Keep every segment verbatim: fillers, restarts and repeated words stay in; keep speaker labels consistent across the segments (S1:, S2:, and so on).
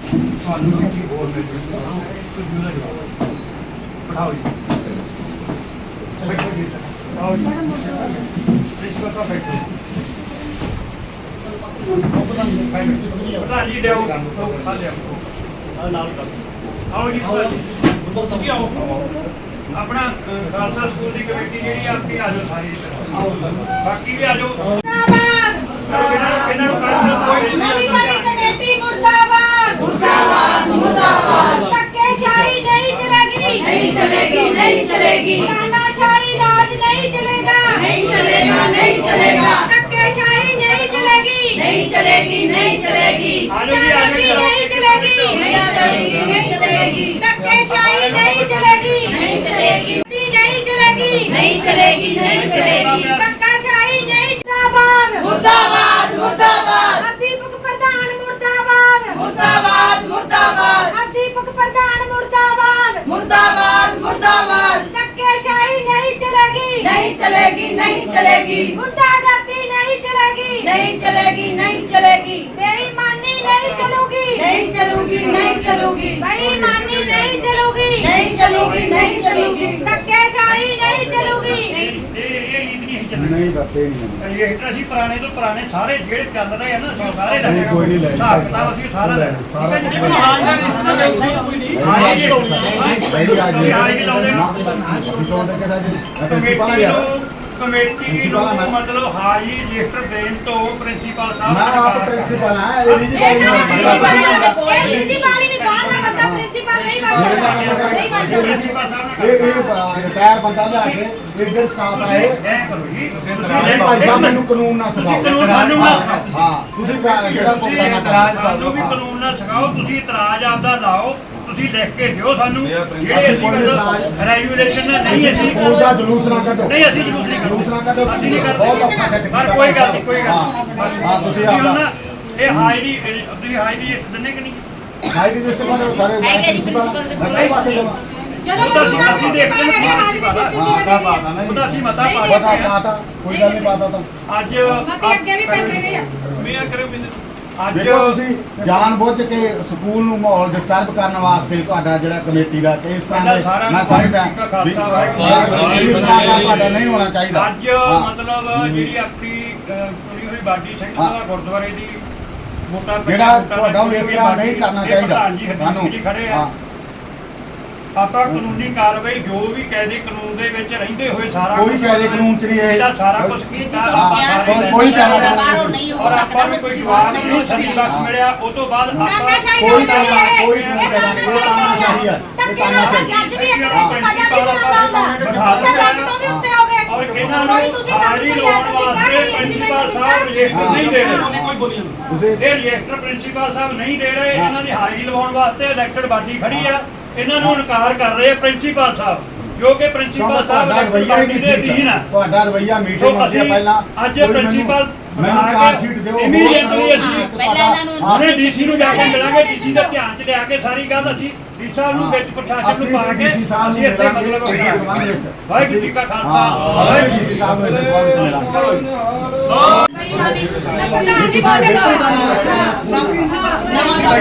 S1: पढ़ाओ जी आओ जी रिश्वत का बैठो प्रधान जी ले आओ आओ जी ਤੁਸੀਂ ਆਓ ਆਪਣਾ ਖਾਲਸਾ ਸਕੂਲ ਦੀ ਕਮੇਟੀ ਜਿਹੜੀ ਆਪੀ ਆ ਜਾਓ ਸਾਰੀ ਬਾਕੀ ਵੀ ਆ ਜਾਓ ਇਹਨਾਂ ਨੂੰ
S2: ਨਵੀਂ ਬਣੀ ਕਮੇਟੀ ਮੁਰਦਾਬਾਦ ਮੁਰਦਾਬਾਦ ਮੁਰਦਾਬਾਦ ਧੱਕੇਸ਼ਾਹੀ ਨਹੀਂ ਚਲੇਗੀ ਨਹੀਂ ਚਲੇਗੀ ਨਹੀਂ ਚਲੇਗੀ ਤਾਨਾਸ਼ਾਹੀ ਰਾਜ ਨਹੀਂ ਚਲੇਗਾ ਨਹੀਂ ਚਲੇਗਾ ਨਹੀਂ ਚਲੇਗਾ ਧੱਕੇਸ਼ਾਹੀ ਨਹੀਂ ਚਲੇਗੀ ਨਹੀਂ ਚਲੇਗੀ ਨਹੀਂ ਚਲੇਗੀ ਤਾਨਾਸ਼ਾਹੀ ਨਹੀਂ ਚਲੇਗੀ ਨਹੀਂ ਚਲੇਗੀ ਨਹੀਂ ਚਲੇਗੀ ਧੱਕੇਸ਼ਾਹੀ ਨਹੀਂ ਚਲੇਗੀ ਨਹੀਂ ਚਲੇਗੀ ਨਹੀਂ ਚਲੇਗੀ ਨਹੀਂ ਚਲੇਗੀ ਨਹੀਂ ਚਲੇਗੀ ਧੱਕਾਸ਼ਾਹੀ ਨਹੀਂ ਮੁਰਦਾਬਾਦ ਮੁਰਦਾਬਾਦ ਮੁਰਦਾਬਾਦ ਅਧਿਆਪਕ ਪ੍ਰਧਾਨ ਮੁਰਦਾਬਾਦ ਮੁਰਦਾਬਾਦ ਮੁਰਦਾਬਾਦ ਅਧਿਆਪਕ ਪ੍ਰਧਾਨ ਮੁਰਦਾਬਾਦ ਮੁਰਦਾਬਾਦ ਮੁਰਦਾਬਾਦ ਧੱਕੇਸ਼ਾਹੀ ਨਹੀਂ ਚਲੇਗੀ ਨਹੀਂ ਚਲੇਗੀ ਨਹੀਂ ਚਲੇਗੀ ਗੁੰਡਾਗਰਦੀ ਨਹੀਂ ਚਲੇਗੀ ਨਹੀਂ ਚਲੇਗੀ ਨਹੀਂ ਚਲੇਗੀ ਬੇਈਮਾਨੀ ਨਹੀਂ ਚਲੂਗੀ ਨਹੀਂ ਚਲੂਗੀ ਨਹੀਂ ਚਲੂਗੀ ਬੇਈਮਾਨੀ ਨਹੀਂ ਚਲੂਗੀ ਨਹੀਂ ਚਲੂਗੀ ਨਹੀਂ ਚਲੂਗੀ ਧੱਕੇਸ਼ਾਹੀ ਨਹੀਂ ਚਲੂਗੀ
S1: नहीं बसे नहीं ये ਅਸੀਂ ਪੁਰਾਣੇ ਤੋਂ ਪੁਰਾਣੇ ਸਾਰੇ ਜਿਹੜੇ ਚੱਲ ਰਹੇ ਆ ਨਾ ਸਾਰੇ ਲੱਗੇ ਕੋਈ ਨਹੀਂ ਲੈ ਸਕਦਾ ਅਸੀਂ ਸਾਰਾ ਲੈ ਸਾਰਾ ਆਜ ਜੀ ਲਾਉਣੀ ਹੈ ਆਜ ਜੀ ਲਾਉਂਦੇ ਅਸੀਂ ਤੋਂ ਦੇ ਕੇ ਪ੍ਰਿੰਸੀਪਲ ਆ ਕਮੇਟੀ ਨੂੰ ਮਤਲਬ ਹਾਈ ਰਜਿਸਟਰ ਦੇਣ ਤੋਂ ਪ੍ਰਿੰਸੀਪਲ ਸਾਹਿਬ ਮੈਂ ਆਪ ਪ੍ਰਿੰਸੀਪਲ ਹਾਂ ਇਹ ਨਹੀਂ
S2: ਪ੍ਰਿੰਸੀਪਲ ਨਹੀਂ ਬਾਹਰ ਦਾ ਬੰਦਾ ਪ੍ਰਿੰਸੀਪਲ ਨਹੀਂ ਬਣ ਸਕਦਾ ਨਹੀਂ ਬਣ ਸਕਦਾ
S1: ਪ੍ਰਿੰਸੀਪਲ ਸਾਹਿਬ
S3: ਇਹ ਇਹ ਰਿਟਾਇਰ ਬੰਦਾ ਲਿਆ ਕੇ ਲੀਡਰ ਸਟਾਫ ਆਏ
S1: ਐ ਕਰੋ ਜੀ ਤੁਸੀਂ
S3: ਭਾਈ ਸਾਹਿਬ ਮੈਨੂੰ ਕਾਨੂੰਨ ਨਾ ਸਿਖਾਓ ਹਾਂ ਤੁਸੀਂ ਜਿਹੜਾ
S1: ਤੁਸੀਂ ਇਤਰਾਜ਼ ਤੁਹਾਨੂੰ ਵੀ ਕਾਨੂੰਨ ਨਾਲ ਸਿਖਾਓ ਤੁਸੀਂ ਇਤਰਾਜ਼ ਆਪਦਾ ਲਾਓ ਤੁਸੀਂ ਲਿਖ ਕੇ ਦਿਓ ਸਾਨੂੰ ਜਿਹੜੇ ਅਸੀਂ ਰੈਗੂਲੇਸ਼ਨ ਨਹੀਂ ਅਸੀਂ
S3: ਉਹਦਾ ਜਲੂਸ ਨਾ ਕੱਢੋ
S1: ਨਹੀਂ ਅਸੀਂ ਜਲੂਸ ਨਹੀਂ
S3: ਜਲੂਸ ਨਾ ਕੱਢੋ
S1: ਅਸੀਂ ਨਹੀਂ ਕਰਦੇ
S3: ਬਹੁਤ ਔਖਾ ਸੈੱਟ
S1: ਪਰ ਕੋਈ ਗੱਲ ਨਹੀਂ ਕੋਈ ਗੱਲ
S3: ਹਾਂ ਤੁਸੀਂ ਆਪਦਾ
S1: ਇਹ ਹਾਈ ਦੀ ਤੁਸੀਂ ਹਾਈ ਦੀ ਦਿੰਨੇ ਕਿ ਨਹੀਂ
S3: ਹਾਈ ਰਜਿਸਟਰ ਵਾਲੇ ਸਾਰੇ ਪ੍ਰਿੰਸੀਪਲ ਮੈਂ ਕਈ ਬਾਤ ਜਮਾ
S2: ਜਦੋਂ ਤੁਸੀਂ ਦੇਖਦੇ ਹੋ ਹਾਜ਼ਰੀ
S3: ਹਾਂ ਤਾਂ ਬਾਤ ਨਾ
S1: ਉਹਦਾ ਅਸੀਂ ਮਤਾ ਪਾ
S3: ਪਤਾ ਪਾਤਾ ਕੋਈ ਗੱਲ ਨਹੀਂ ਪਾਤਾ ਤਾਂ
S1: ਅੱਜ
S2: ਮਤੇ ਅੱਗੇ ਵੀ ਪੈਂਦੇ ਰਹੇ ਆ
S1: ਮੈਂ ਕਰੇ ਅੱਜ
S3: ਦੇਖੋ ਤੁਸੀਂ ਜਾਣ ਬੁੱਝ ਕੇ ਸਕੂਲ ਨੂੰ ਮਾਹੌਲ ਡਿਸਟਰਬ ਕਰਨ ਵਾਸਤੇ ਤੁਹਾਡਾ ਜਿਹੜਾ ਕਮੇਟੀ ਦਾ ਤੇ ਇਸ ਤਰ੍ਹਾਂ ਦੇ ਮੈਂ ਸਮਝਦਾ ਇਸ ਤਰ੍ਹਾਂ ਦਾ ਤੁਹਾਡਾ ਨਹੀਂ ਹੋਣਾ ਚਾਹੀਦਾ
S1: ਅੱਜ ਮਤਲਬ ਜਿਹੜੀ ਆਪਣੀ ਕੁੜੀ ਹੋਈ ਬਾਡੀ ਸਿੰਘ ਦਾ ਗੁਰਦੁਆਰੇ ਦੀ ਮੋਟਾ
S3: ਜਿਹੜਾ ਤੁਹਾਡਾ ਉਹ ਇਸ ਤਰ੍ਹਾਂ ਨਹੀਂ ਕਰਨਾ ਚਾਹੀਦਾ
S1: ਸਾਨੂੰ ਖੜੇ ਆ ਆਪਾਂ ਕਾਨੂੰਨੀ ਕਾਰਵਾਈ ਜੋ ਵੀ ਕਾਇਦੇ ਕਾਨੂੰਨ ਦੇ ਵਿੱਚ ਰਹਿੰਦੇ ਹੋਏ ਸਾਰਾ
S3: ਕੋਈ ਕਾਇਦੇ ਕਾਨੂੰਨ ਚ ਨਹੀਂ ਇਹ
S1: ਇਹਦਾ ਸਾਰਾ ਕੁਝ ਕੀਤਾ
S3: ਕੋਈ ਕਾਇਦਾ
S4: ਬਾਹਰੋਂ ਨਹੀਂ ਹੋ
S1: ਔਰ ਆਪਾਂ
S4: ਸਕਦਾ
S1: ਨੂੰ ਕੋਈ ਜਵਾਬ ਨਹੀਂ ਸਹੀ ਵਕਤ ਮਿਲਿਆ ਉਹ ਤੋਂ ਬਾਅਦ ਆਪਾਂ
S3: ਕੋਈ ਕਾਇਦਾ ਕੋਈ ਕਾਇਦਾ ਕੋਈ ਕਾਨੂੰਨ ਨਹੀਂ ਹੈ
S2: ਧੱਕੇ ਨਾਲ ਜੱਜ ਵੀ ਇੱਕ ਦਿਨ ਚ ਸਜ਼ਾ ਨਹੀਂ ਸੁਣਾਉਂਦਾ ਹੁੰਦਾ ਉਹ ਜੱਜ ਤੋਂ ਵੀ ਉੱਤੇ ਹੋ ਗਏ
S1: ਔਰ ਇਹਨਾਂ ਨੂੰ
S2: ਤੁਸੀਂ ਸਾਨੂੰ
S1: ਲਾਉਣ ਵਾਸਤੇ ਪ੍ਰਿੰਸੀਪਲ ਸਾਹਿਬ ਰਜਿਸਟਰ ਨਹੀਂ ਦੇ ਰਹੇ ਕੋਈ ਬੋਲੀ
S3: ਤੁਸੀਂ
S1: ਇਹ ਰਜਿਸਟਰ ਪ੍ਰਿੰਸੀਪਲ ਸਾਹਿਬ ਨਹੀਂ ਦੇ ਰਹੇ ਇਹਨਾਂ ਦੀ ਹਾਜ਼ਰੀ ਲਵਾਉਣ ਵਾਸਤੇ ਇਲੈਕਟਡ ਬਾਡੀ ਖੜੀ ਆ ਇਹਨਾਂ ਨੂੰ ਇਨਕਾਰ ਕਰ ਰਹੇ ਪ੍ਰਿੰਸੀਪਲ ਸਾਹਿਬ ਜੋ ਕਿ ਪ੍ਰਿੰਸੀਪਲ ਸਾਹਿਬ
S3: ਰਵਈਆ ਹੀ ਨਹੀਂ
S1: ਅਧੀਨ ਆ
S3: ਤੁਹਾਡਾ ਰਵਈਆ ਮੀਟਿੰਗ ਹੁੰਦੀ ਹੈ ਪਹਿਲਾਂ
S1: ਅੱਜ ਪ੍ਰਿੰਸੀਪਲ
S3: ਮੈਨੂੰ ਕਾਰ ਸ਼ੀਟ ਦਿਓ
S1: ਇਮੀਡੀਏਟਲੀ
S4: ਪਹਿਲਾਂ ਇਹਨਾਂ ਨੂੰ
S1: ਉਹਨੇ ਡੀਸੀ ਨੂੰ ਜਾ ਕੇ ਮਿਲਾਂਗੇ ਡੀਸੀ ਦਾ ਧਿਆਨ ਚ ਲਿਆ ਕੇ ਸਾਰੀ ਗੱਲ ਅਸੀਂ ਡੀ ਸਾਹਿਬ ਨੂੰ ਵਿੱਚ ਪ੍ਰਸ਼ਾਸਨ ਨੂੰ ਪਾ ਕੇ ਅਸੀਂ ਇੱਥੇ ਮਤਲਬ ਵਾਹਿਗੁਰੂ ਜੀ ਕਾ ਖਾਲਸਾ
S3: ਵਾਹਿਗੁਰੂ ਜੀ ਸਾਹਿਬ ਨੂੰ
S2: ਬੇਈਮਾਨੀ ਪ੍ਰਧਾਨ ਜੀ ਬੋਲੇ ਦੋ ਨਵਾਂ ਦਾ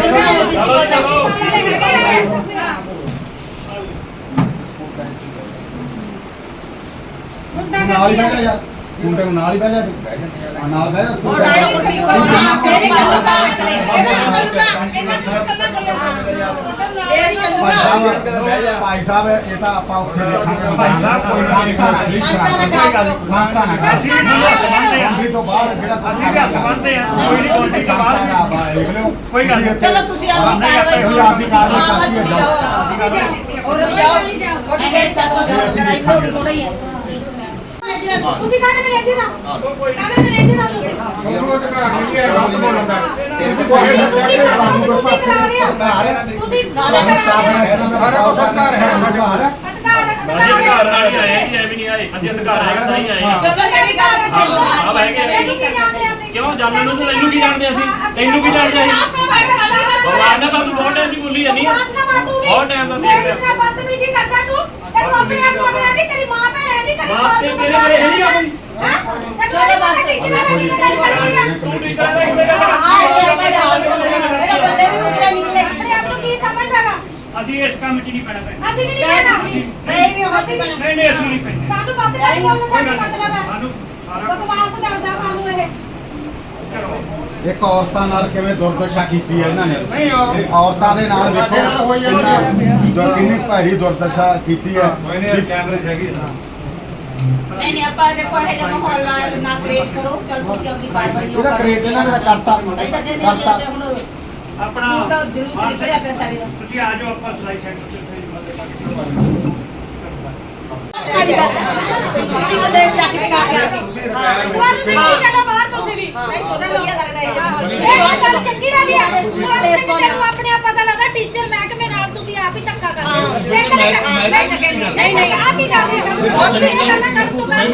S2: ਮੁੰਡਾ
S3: ਨਾਲ ਹੀ ਬਹਿ ਜਾ ਯਾਰ ਮੁੰਡੇ ਨੂੰ ਨਾਲ ਹੀ ਬਹਿ ਜਾ ਨਾਲ ਬਹਿ ਜਾ
S4: ਕੁਰਸੀ ਕੋਲ ਨਾ ਫਿਰ ਚੱਲੂਗਾ
S3: ਭਾਈ ਸਾਹਿਬ ਇਹ ਤਾਂ ਆਪਾਂ ਉੱਥੇ ਰੱਖਾਂਗੇ
S1: ਭਾਈ ਸਾਹਿਬ ਕੋਈ
S3: ਸੰਸਥਾ ਨਾ
S1: ਅਸੀਂ
S3: ਕੰਪਨੀ ਤੋਂ ਬਾਹਰ ਜਿਹੜਾ
S1: ਅਸੀਂ ਵੀ ਹੱਥ ਬੰਨ੍ਹਦੇ ਆ ਕੋਈ ਨਹੀਂ ਕੋਈ ਤੋਂ ਬਾਹਰ ਕੋਈ ਗੱਲ ਨਹੀਂ
S4: ਚਲੋ ਤੁਸੀਂ ਆਪਣੀ ਕਾਰਵਾਈ ਕਰੋ
S3: ਅਸੀਂ ਕਾਰਵਾਈ ਕਰਤੀ ਹੈ
S4: ਹੋਰ ਜਾਓ ਉਹਨੇ ਫਿਰ ਤੱਕ ਲੜਾਈ ਹੋਣੀ ਥੋੜਾ ਹੀ ਹੈ
S2: ਤੂੰ ਵੀ ਕਾਹਦੇ में रहती ना कागज में रहती ना ਤੁਸੀਂ ਤੁਸੀਂ ਸਭ ਕੁਝ ਤੁਸੀਂ ਕਰਾ ਰਹੇ ਹੋ ਤੁਸੀਂ ਸਾਰਾ ਕਰਾ ਰਹੇ ਹੋ
S3: ਸਾਰਾ ਕੁਝ ਸਰਕਾਰ ਹੈ
S2: ਅਧਿਕਾਰ
S5: ਅਧਿਕਾਰ ਆਏ ਜੀ ਐਵੇਂ ਨਹੀਂ ਆਏ ਅਸੀਂ ਅਧਿਕਾਰ ਆਏ ਤਾਂ ਹੀ ਆਏ ਹਾਂ
S4: ਚਲੋ ਜਿਹੜੀ ਗੱਲ ਚੱਲੋ
S5: ਆ ਬਹਿ ਗਏ ਕਿਉਂ ਜਾਣਨ ਨੂੰ ਤੈਨੂੰ ਕੀ ਜਾਣਦੇ ਅਸੀਂ ਤੈਨੂੰ ਕੀ ਜਾਣਦੇ ਅਸੀਂ ਭਗਵਾਨ ਨੇ ਤੁਹਾਨੂੰ ਬਹੁਤ ਟਾਈਮ ਦੀ ਬੋਲੀ ਜਾਨੀ ਆ ਬਹੁਤ ਟਾਈਮ ਦਾ ਦੇਖ ਰਿਹਾ
S2: ਬਦਤਮੀਜੀ ਕਰਦਾ ਤੂੰ ਤੈਨੂੰ ਆਪਣੇ ਆਪ ਨੂੰ ਲੱਗਦਾ ਵੀ ਤੇਰੀ ਮਾਂ ਭੈਣ ਹੈ ਨਹੀਂ ਤੇਰੀ
S5: ਮਾਂ ਤੇ ਤੇਰੇ ਘਰੇ ਹੈ ਨਹੀਂ ਆ ਕੋਈ
S2: ਚਲੋ ਬਸ ਟੀਚਰਾਂ ਦੀ ਗੱਲ ਕਰਦੀ ਆ
S5: ਤੂੰ ਟੀਚਰ ਦਾ ਕਿਵੇਂ ਗੱਲ
S4: ਹਾਂ ਇਹ ਮੇਰਾ ਬੱਲੇ ਦੀ ਮੁਕਰਾ ਨਿਕਲੇ
S1: ਅਸੀਂ ਇਸ ਕੰਮ 'ਚ ਨਹੀਂ ਪੈਣਾ ਪੈਣਾ
S2: ਅਸੀਂ ਵੀ ਨਹੀਂ ਪੈਣਾ
S4: ਨਹੀਂ ਵੀ ਹੋ
S2: ਅਸੀਂ ਵੀ
S1: ਨਹੀਂ ਨਹੀਂ ਅਸੀਂ ਨਹੀਂ ਪੈਣਾ
S2: ਸਾਨੂੰ ਪਤਾ ਨਹੀਂ ਬੋਲਣ ਦਾ ਕੀ ਮਤਲਬ ਹੈ
S1: ਸਾਨੂੰ ਸਾਰਾ
S2: ਬਕਵਾਸ ਕਰਦਾ ਸਾਨੂੰ ਇਹ
S1: ਕਰੋ
S3: ਇੱਕ ਔਰਤਾਂ ਨਾਲ ਕਿਵੇਂ ਦੁਰਦਸ਼ਾ ਕੀਤੀ ਹੈ ਇਹਨਾਂ ਨੇ ਇਹ ਔਰਤਾਂ ਦੇ ਨਾਲ ਵੇਖੋ ਕਿੰਨਾ ਕਿੰਨੀ ਭੈੜੀ ਦੁਰਦਸ਼ਾ ਕੀਤੀ ਹੈ
S4: ਨਹੀਂ ਨਹੀਂ ਆਪਾਂ ਦੇਖੋ ਇਹ ਜਿਹਾ ਮਾਹੌਲ ਨਾ ਨਾ ਕ੍ਰੀਏਟ ਕਰੋ ਚਲ ਤੁਸੀਂ ਆਪਣੀ ਕਾਰਵਾਈ
S3: ਇਹਦਾ ਕ੍ਰੇਜ਼ ਇਹਨਾਂ ਨੇ ਤਾਂ ਕਰਤਾ
S4: ਅਸੀਂ ਤਾਂ ਕਹਿੰਦੇ
S3: ਕਰਤਾ
S4: ਹਾਂ ਹੁਣ
S1: ਆਪਣਾ
S4: ਸਕੂਲ ਦਾ ਜਲੂਸ ਨਿਕਲਿਆ ਪਿਆ ਸਾਰੇ ਦਾ
S1: ਤੁਸੀਂ ਆ ਜਾਓ ਆਪਾਂ ਸਲਾਈ ਸੈਂਟਰ ਤੇ
S4: ਤੁਸੀਂ ਬਸੇ ਚੱਕ ਚਕਾ ਕੇ ਆ
S2: ਸਵਾਲ ਤੁਸੀਂ ਵੀ ਚਲੋ ਬਾਹਰ ਤੁਸੀਂ ਵੀ
S4: ਵਧੀਆ ਲੱਗਦਾ ਹੈ
S2: ਇਹ ਗੱਲ ਚੰਗੀ ਰਹੀ ਹੈ ਸਵਾਲ ਸਿੰਘ ਤੈਨੂੰ ਆਪਣੇ ਆਪ ਪਤਾ ਲੱਗਦਾ ਟੀਚਰ ਮਹਿਕਮੇ ਨਾਲ ਤੁਸੀਂ ਆਪ ਹੀ ਧੱਕਾ ਕਰਦੇ ਹੋ ਨਹੀਂ ਨਹੀਂ ਆ ਕੀ ਕਰ ਰਹੇ ਹੋ ਬਹੁਤ सी ਗੱਲਾਂ ਕਰ ਤੂੰ ਕਰ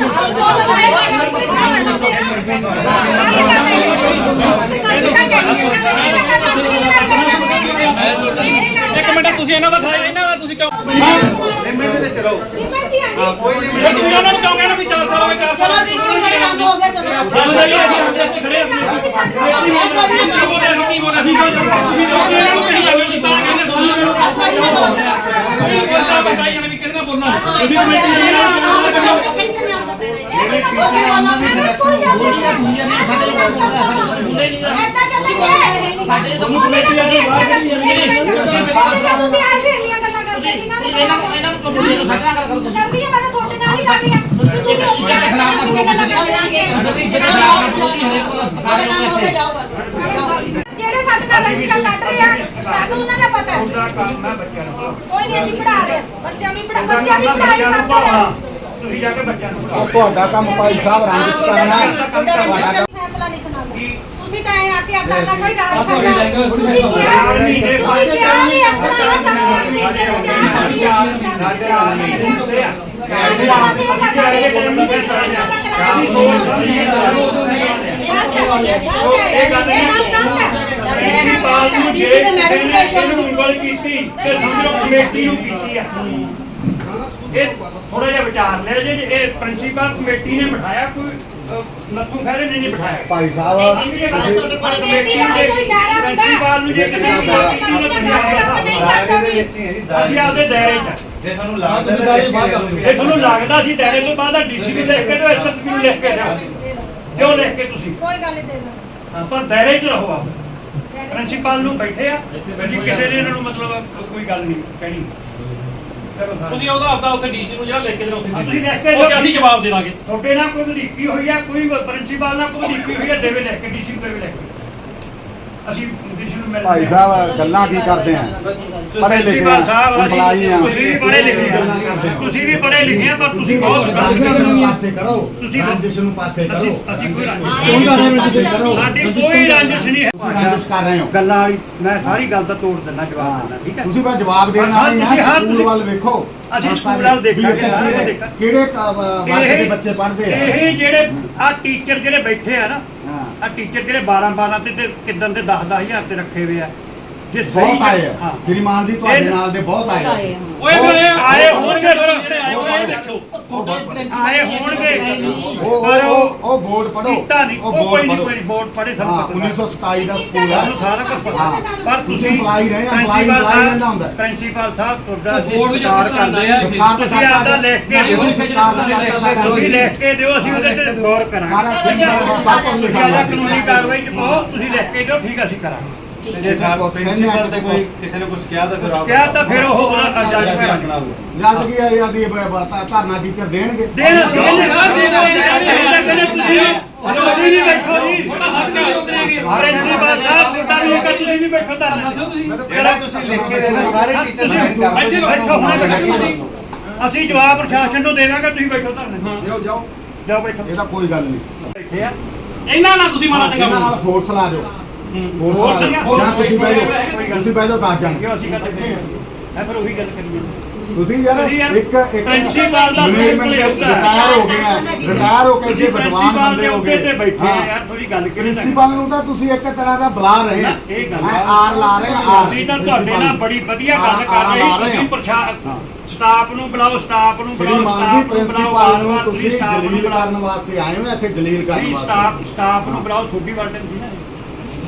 S5: ਇੱਕ ਮਿੰਟ ਤੁਸੀਂ ਇਹਨਾਂ ਦਾ ਥਾਇਆ ਇਹਨਾਂ ਦਾ ਤੁਸੀਂ ਕਿਉਂ
S2: ਲਿਮਿਟ ਤੇ ਚਲੋ ਲਿਮਿਟ ਹੀ ਆ ਜੀ
S5: ਕੋਈ ਲਿਮਿਟ ਤੁਸੀਂ ਉਹਨਾਂ ਨੂੰ ਕਿਉਂ ਕਹਿਣਾ ਵੀ ਚਾਰ ਸਾਲ ਹੋ ਗਏ ਚਾਰ ਸਾਲ
S4: ਚਲੋ ਵੀ ਕੋਈ ਬੜੇ ਕੰਮ ਹੋ ਗਿਆ ਚਲੋ
S5: ਚੱਲ ਚੱਲੀਏ ਅਸੀਂ ਖੜੇ ਕੀ ਬੋਲਿਆ ਸੀ ਕੀ ਬੋਲਿਆ ਸੀ ਤੁਸੀਂ ਲੋਕੀ ਇਹਨੂੰ ਕਹੀ ਜਾਂਦੇ ਸੀ ਤਾਂ ਕਹਿੰਦੇ ਤੁਹਾਨੂੰ ਇਹ ਬੰਦਾ ਬੰਦਾ ਇਹਨਾਂ ਵੀ ਕਿਹਨਾਂ ਬੋਲਣਾ ਤੁਸੀਂ ਕਮੇਟੀ ਦੇ
S2: ਤੁਹਾਨੂੰ ਕਮੇਟੀ ਵਾਲੀ ਬਾਹਰ ਨਹੀਂ ਜਾਂਦੀ ਤੁਸੀਂ ਐਸੇ ਇੰਨੀਆਂ ਗੱਲਾਂ ਕਰਦੇ ਸੀ ਨਾ ਇਹਨਾਂ ਇਹਨਾਂ ਨੂੰ ਕਬੂਲੇ ਤੋਂ ਸੱਟਣਾ ਗੱਲ ਕਰੋ ਕਰਦੀ ਹੈ ਮੈਂ ਤਾਂ ਤੁਹਾਡੇ ਨਾਲ ਹੀ ਕਰ ਰਹੀ ਹਾਂ ਤੁਸੀਂ ਉੱਥੇ ਜਾ ਕੇ ਕਿੰਨੀਆਂ ਗੱਲਾਂ ਕਰਦੇ ਜਿਹੜੇ ਸਾਡੇ ਨਾਲ ਰੰਜਿਸ਼ਾਂ ਕੱਢ ਰਹੇ ਆ ਸਾਨੂੰ ਉਹਨਾਂ ਦਾ ਪਤਾ ਹੈ
S1: ਉਹਦਾ ਕੰਮ ਹੈ ਬੱਚਿਆਂ ਨੂੰ
S2: ਕੋਈ ਨਹੀਂ ਅਸੀਂ ਪੜਾ ਰਹੇ ਬੱਚਿਆਂ ਨੂੰ ਪੜਾ ਬੱਚਿਆਂ ਦੀ ਪੜ੍ਹਾਈ ਕਰਦੇ ਰਹੇ
S1: ਤੁਸੀਂ ਜਾ ਕੇ ਬੱਚਿਆਂ ਨੂੰ ਪੜਾਓ
S3: ਤੁਹਾਡਾ ਕੰਮ ਭਾਈ ਸਾਹਿਬ ਰੰਜਿਸ਼ ਕਰਨਾ
S2: ਫੈਸਲਾ ਨਹੀਂ ਸੁਣਾਉਂਦੇ ਤੁਸੀਂ ਤਾਂ ਐ ਆ ਕੇ ਆਪਣਾ ਨਸ਼ਾ ਹੀ ਰਾਜ ਕਰਨਾ ਤੁਸੀਂ ਕਿਹਾ ਤੁਸੀਂ ਕਿਹਾ ਵੀ ਇਸ ਤਰ੍ਹਾਂ ਇਹ ਕੰਮ ਅਸੀਂ ਕਿਹੜੇ ਜਾ ਕਰਨੀ ਆ ਸਾਡੇ ਨਾਲ ਨਹੀਂ ਹੁੰਦੇ ਆ ਸਾਡੇ ਦਾ ਵਾਸਤੇ ਉਹ ਪਤਾ ਨਹੀਂ ਤੁਸੀਂ ਕਿਹਨਾਂ ਦਾ ਕਰਾਇਆ ਇਹ ਗੱਲ ਗਲਤ ਹੈ
S1: ਡੀਸੀ ਨੇ ਮੈਡਮ ਪ੍ਰੈਸ਼ਰ ਨੂੰ ਉਂਗਲ ਕੀਤੀ ਤੇ ਸਮਝੋ ਕਮੇਟੀ ਨੂੰ ਕੀਤੀ ਆ ਇਹ ਥੋੜਾ ਜਿਹਾ ਵਿਚਾਰ ਲੈ ਜੇ ਇਹ ਪ੍ਰਿੰਸੀਪਲ ਕਮੇਟੀ ਨੇ ਬਿਠਾਇਆ ਕੋਈ ਨੱਥੂ ਖੈਰੇ ਨੇ ਨਹੀਂ ਬਿਠਾਇਆ
S3: ਭਾਈ ਸਾਹਿਬ
S2: ਕਮੇਟੀ ਦਾ ਵੀ ਕੋਈ ਦਾਇਰਾ ਹੁੰਦਾ
S1: ਪ੍ਰਿੰਸੀਪਲ ਨੂੰ ਜੇ
S2: ਕਮੇਟੀ ਦਾ ਕਮੇਟੀ ਦਾ ਕੰਮ ਨਹੀਂ ਕਰ ਸਕਦੀ
S1: ਅਸੀਂ ਆਪਦੇ ਦਾਇਰੇ 'ਚ
S6: ਜੇ ਸਾਨੂੰ ਲੱਗਦਾ
S1: ਜੇ ਤੁਹਾਨੂੰ ਲੱਗਦਾ ਸੀ ਦਾਇਰੇ ਤੋਂ ਬਾਅਦ ਡੀਸੀ ਨੂੰ ਲਿਖ ਕੇ ਦਿਓ ਐਸਐਸਪੀ ਨੂੰ ਲਿਖ ਕੇ ਦਿਓ ਜੋ ਲਿਖ ਕੇ ਤੁਸੀਂ
S2: ਕੋਈ ਗੱਲ ਨਹੀਂ ਦੇ ਦੋ
S1: ਪਰ ਦਾਇਰੇ 'ਚ ਰਹੋ ਆਪ ਪ੍ਰਿੰਸੀਪਲ ਨੂੰ ਬੈਠੇ ਆ ਜੀ ਕਿਸੇ ਨੇ ਇਹਨਾਂ ਨੂੰ ਮਤਲਬ ਕੋਈ ਗੱਲ ਨਹੀਂ ਕਹਿਣੀ
S5: ਤੁਸੀਂ ਉਹਦਾ ਆਪਦਾ ਉੱਥੇ ਡੀਸੀ ਨੂੰ ਜਿਹੜਾ ਲਿਖ ਕੇ ਦੇਣਾ ਉੱਥੇ
S1: ਤੁਸੀਂ ਲਿਖ ਕੇ
S5: ਉਹ ਅਸੀਂ ਜਵਾਬ ਦੇ ਦਾਂਗੇ
S1: ਤੁਹਾਡੇ ਨਾਲ ਕੋਈ ਵਧੀਕੀ ਹੋਈ ਆ ਕੋਈ ਪ੍ਰਿੰਸੀਪਲ ਨਾਲ ਕੋਈ ਵਧੀਕੀ ਹੋਈ ਆ ਦੇਵੇ ਲਿਖ ਕੇ ਡੀਸੀ ਨੂੰ ਦੇਵੇ ਲਿਖ ਕੇ ਅਸੀਂ ਡੀਸੀ ਨੂੰ ਮਿਲ
S3: ਭਾਈ ਸਾਹਿਬ ਗੱਲਾਂ ਕੀ ਕਰਦੇ ਆ ਪੜ੍ਹੇ ਲਿਖੇ
S1: ਪ੍ਰਿੰਸੀਪਲ ਸਾਹਿਬ
S3: employee ਆ।
S1: ਤੁਸੀਂ ਵੀ ਪੜ੍ਹੇ ਲਿਖੇ ਆ ਤੁਸੀਂ ਵੀ ਪੜ੍ਹੇ ਲਿਖੇ ਆ ਪਰ ਤੁਸੀਂ ਬਹੁਤ ਗਲਤ
S3: ਰੰਜਿਸ਼
S1: ਕਰਦੇ
S3: ਨੂੰ
S1: ਹੋ
S3: ਪਾਸੇ ਕਰੋ
S1: ਤੁਸੀਂ
S3: ਰੰਜਿਸ਼ ਨੂੰ ਪਾਸੇ ਕਰੋ
S1: ਅਸੀਂ ਅਸੀਂ ਕੋਈ ਸਾਡੀ ਕੋਈ ਰੰਜਿਸ਼ ਨਹੀਂ ਹੈ
S3: ਰੰਜਿਸ਼ ਕਰ ਰਹੇ ਹੋ
S1: ਗੱਲਾਂ ਵਾਲੀ ਮੈਂ ਸਾਰੀ ਗੱਲ ਦਾ ਤੋੜ ਦਿੰਦਾ ਜਵਾਬ ਦਿੰਦਾ ਠੀਕ ਹੈ
S3: ਤੁਸੀਂ ਤਾਂ ਜਵਾਬ ਦੇਣ
S1: ਹਾਂ,
S3: ਵਾਲੇ
S1: ਤੁਸੀਂ
S3: ਆ
S1: ਹਾਂ,
S3: ਸਕੂਲ
S1: ਤੁਸੀਂ-
S3: ਵੱਲ ਵੇਖੋ
S1: ਅਸੀਂ ਸਕੂਲ ਵੱਲ ਦੇਖਾਂਗੇ,
S3: ਵੀ ਇੱਥੇ
S1: ਅਸੀਂ
S3: ਕਿਹੜੇ-
S1: ਦੇਖਾਂਗੇ।
S3: ਕਿਹੜੇ ਕ- ਵਰਗ ਦੇ ਬੱਚੇ ਪੜ੍ਹਦੇ ਆ
S1: ਇਹ ਜਿਹੜੇ ਆ ਟੀਚਰ ਜਿਹੜੇ ਬੈਠੇ ਆ ਨਾ
S3: ਹਾਂ
S1: ਆ ਟੀਚਰ ਜਿਹੜੇ ਬਾਰਾਂ ਬਾਰਾਂ ਤੇ ਤੇ ਕਿਦਾਂ ਦੇ ਦਸ ਦਸ ਹਜ਼ਾਰ ਤੇ ਰੱਖੇ ਹੋਏ ਆ ਜੇ
S3: ਬਹੁਤ ਆਏ ਆ
S1: ਹਾਂ
S3: ਸ਼੍ਰੀਮਾਨ ਜੀ ਤੁਹਾਡੇ
S1: ਇਹ-
S3: ਨਾਲ ਦੇ ਬਹੁਤ ਆਏ ਆ
S5: ਓਏ ਫਿਰ ਇਹ ਆਏ ਹੋਣਗੇ ਫਿਰ ਜਿਹੜੇ ਆਏ ਹੋਏ ਇਹ ਦੇਖੋ
S1: ਆਏ ਹੋਣਗੇ
S3: ਉਹ
S1: ਪਰ
S3: ਉਹ
S1: ਉਹ
S3: ਉਹ ਬੋਰਡ ਪੜੋ
S1: ਕੀਤਾ ਨਹੀਂ ਉਹ ਕੋਈ ਨਹੀਂ ਕੋਈ ਬੋਰਡ ਪੜੇ ਸਭ
S3: ਹਾਂ
S1: ਪਤਾ
S3: ਉੱਨੀ ਸੌ ਸਤਾਈ ਦਾ ਸਕੂਲ ਹੈ
S1: ਸਾਨੂੰ ਸਾਰਾ ਕੁਝ ਪਤਾ ਪਰ
S3: ਤੁਸੀਂ
S1: ਤੁਸੀਂ
S3: employee ਰਹੇ, employee
S1: ਪ੍ਰਿੰਸੀਪਲ
S3: employee
S1: ਸਾਹਿਬ-
S3: ਰਹਿੰਦਾ ਹੁੰਦਾ।
S1: ਪ੍ਰਿੰਸੀਪਲ ਸਾਹਿਬ ਤੁਹਾਡਾ
S5: ਬੋਰਡ ਵੀ
S1: ਸਤਿਕਾਰ
S5: ਜਦੋਂ
S1: ਕਰਦੇ ਆ
S3: ਸਰਕਾਰ ਦਾ
S1: ਤੁਸੀਂ ਆਪਦਾ ਲਿਖ ਕੇ ਦਿਓ
S3: ਤੁਸੀਂ ਸਰਕਾਰ ਦਾ
S1: ਤੁਸੀਂ ਲਿਖ ਕੇ ਦਿਓ ਅਸੀਂ ਉਹਦੇ ਤੇ ਗੌਰ ਕਰਾਂਗੇ
S3: ਸਾਰਾ ਸਿੰਬਲ ਸਭ ਕੁਝ
S1: ਤੁਸੀਂ
S3: ਲਿਖਿਆ
S1: ਆਪਦਾ
S3: ਹੋਇਆ
S1: ਕਾਨੂੰਨੀ ਕਾਰਵਾਈ ਚ ਪਾਓ ਤੁਸੀਂ ਲਿਖ ਕੇ ਦਿਓ ਠੀਕ ਅਸੀਂ ਕਰਾਂਗੇ
S6: ਜੇ ਸਾਡਾ ਪ੍ਰਿੰਸੀਪਲ ਤੇ ਕੋਈ ਕਿਸੇ ਨੇ ਕੁਝ ਕਿਹਾ ਤਾਂ ਫਿਰ ਆਪ
S1: ਕਿਹਾ ਤਾਂ ਫਿਰ ਉਹ ਜੱਜ
S6: ਅਸੀਂ
S1: ਕਰਾਂਗੇ
S6: ਆਪਣਾ
S3: ਜਦ ਕੀ ਆਈ ਆਦੀ ਧਰਨਾ ਟੀਚਰ ਦੇਣਗੇ
S1: ਦੇਣ ਅਸੀਂ ਇਹਨੇ ਨਾ ਦੇਣਾ ਤੁਸੀਂ ਅਸੀਂ ਵੀ ਬੈਠੋ ਜੀ
S5: ਤੁਹਾਡਾ ਹੱਕ ਹੈ ਉਹ ਕਰਾਂਗੇ
S1: ਪ੍ਰਿੰਸੀਪਲ ਸਾਹਿਬ ਤੁਹਾਡਾ ਵੀ ਇੱਕ ਤੁਸੀਂ ਵੀ ਬੈਠੋ ਧਰਨਾ
S6: ਜਿਹੜਾ ਤੁਸੀਂ ਲਿਖ ਕੇ ਦੇਣਾ ਸਾਰੇ ਟੀਚਰ ਸਾਈਨ ਕਰ
S1: ਇੱਥੇ ਬੈਠੋ ਹੁਣ ਅਸੀਂ ਜਵਾਬ ਪ੍ਰਸ਼ਾਸਨ ਨੂੰ ਦੇਵਾਂਗੇ ਤੁਸੀਂ ਬੈਠੋ ਧਰਨਾ
S3: ਜਾਓ ਜਾਓ
S1: ਜਾਓ ਬੈਠੋ
S3: ਇਹ ਤਾਂ ਕੋਈ ਗੱਲ ਨਹੀਂ
S1: ਬੈਠੇ ਆ
S5: ਇਹਨਾਂ ਨਾਲ ਤੁਸੀਂ ਮਾੜਾ ਚੰਗਾ
S3: ਇਹਨਾਂ ਨਾਲ
S5: ਬੋਲੋ
S3: ਫੋਰਸ ਲਾ ਦਿਓ
S1: ਫੋਰਸ
S3: ਫੋਰਸ ਲਾ
S1: ਲਾ-
S3: ਦਿਓ ਜਾਂ ਤੁਸੀਂ ਬਹਿ ਜਾਓ
S1: ਕੋਈ ਗੱਲ
S3: ਤੁਸੀਂ ਬਹਿ ਜਾਓ ਦਸ ਜਣ
S1: ਕਿਉਂ ਅਸੀਂ ਗੱਲ ਕਰਦੇ ਹਾਂ ਫਿਰ ਉਹੀ ਗੱਲ ਕਰੀਏ
S3: ਤੁਸੀਂ ਯਾਰ
S1: ਤੁਸੀਂ ਯਾਰ
S3: ਇੱਕ ਇੱਕ
S1: ਪ੍ਰਿੰਸੀਪਲ ਦਾ
S3: ਰਿਟਾਇਰ ਹੋ ਗਏ ਆ ਰਿਟਾਇਰ ਹੋ ਕੇ ਜੇ ਵਿਦਵਾਨ
S1: ਪ੍ਰਿੰਸੀਪਲ
S3: ਬੰਦੇ
S1: ਦੇ
S3: ਹੋ
S1: ਉੱਤੇ
S3: ਗਏ
S1: ਤੇ ਬੈਠੇ ਆ
S3: ਹਾਂ।
S1: ਯਾਰ ਥੋੜੀ ਗੱਲ ਕਿਹੜੀ
S3: ਪ੍ਰਿੰਸੀਪਲ ਨੂੰ ਤਾਂ ਤੁਸੀਂ ਇੱਕ ਤਰ੍ਹਾਂ ਦਾ ਬੁਲਾ ਰਹੇ ਆ
S1: ਇਹ ਗੱਲ
S3: ਮੈਂ ਆਰ ਲਾ ਰਹੇ ਆ ਆਰ
S1: ਅਸੀਂ ਤਾਂ ਤੁਹਾਡੇ ਨਾਲ ਬੜੀ ਵਧੀਆ ਗੱਲ ਕਰ
S3: ਆਰ ਲਾ
S1: ਰਹੇ
S3: ਰਹੇ
S1: ਤੁਸੀਂ ਪ੍ਰਸ਼ਾਸਨ ਸਟਾਫ ਨੂੰ ਬੁਲਾਓ ਸਟਾਫ ਨੂੰ ਬੁਲਾਓ
S3: ਸ਼੍ਰੀਮਾਨ ਜੀ
S1: ਸਟਾਫ ਨੂੰ ਬੁਲਾਓ
S3: ਪ੍ਰਿੰਸੀਪਲ ਨੂੰ
S1: ਵਾਰ-ਵਾਰ
S3: ਤੁਸੀਂ
S1: staff ਨੂੰ
S3: ਦਲੀਲ
S1: ਬੁਲਾਓ।
S3: ਕਰਨ ਵਾਸਤੇ ਆਏ ਹੋ ਇੱਥੇ ਦਲੀਲ ਕਰਨ
S1: ਨਹੀਂ
S3: ਵਾਸਤੇ
S1: ਸਟਾਫ ਸਟਾਫ ਨੂੰ ਬੁਲਾਓ ਤੁਹਾਡੀ ਵਾਰਡਨ ਸੀ ਨਾ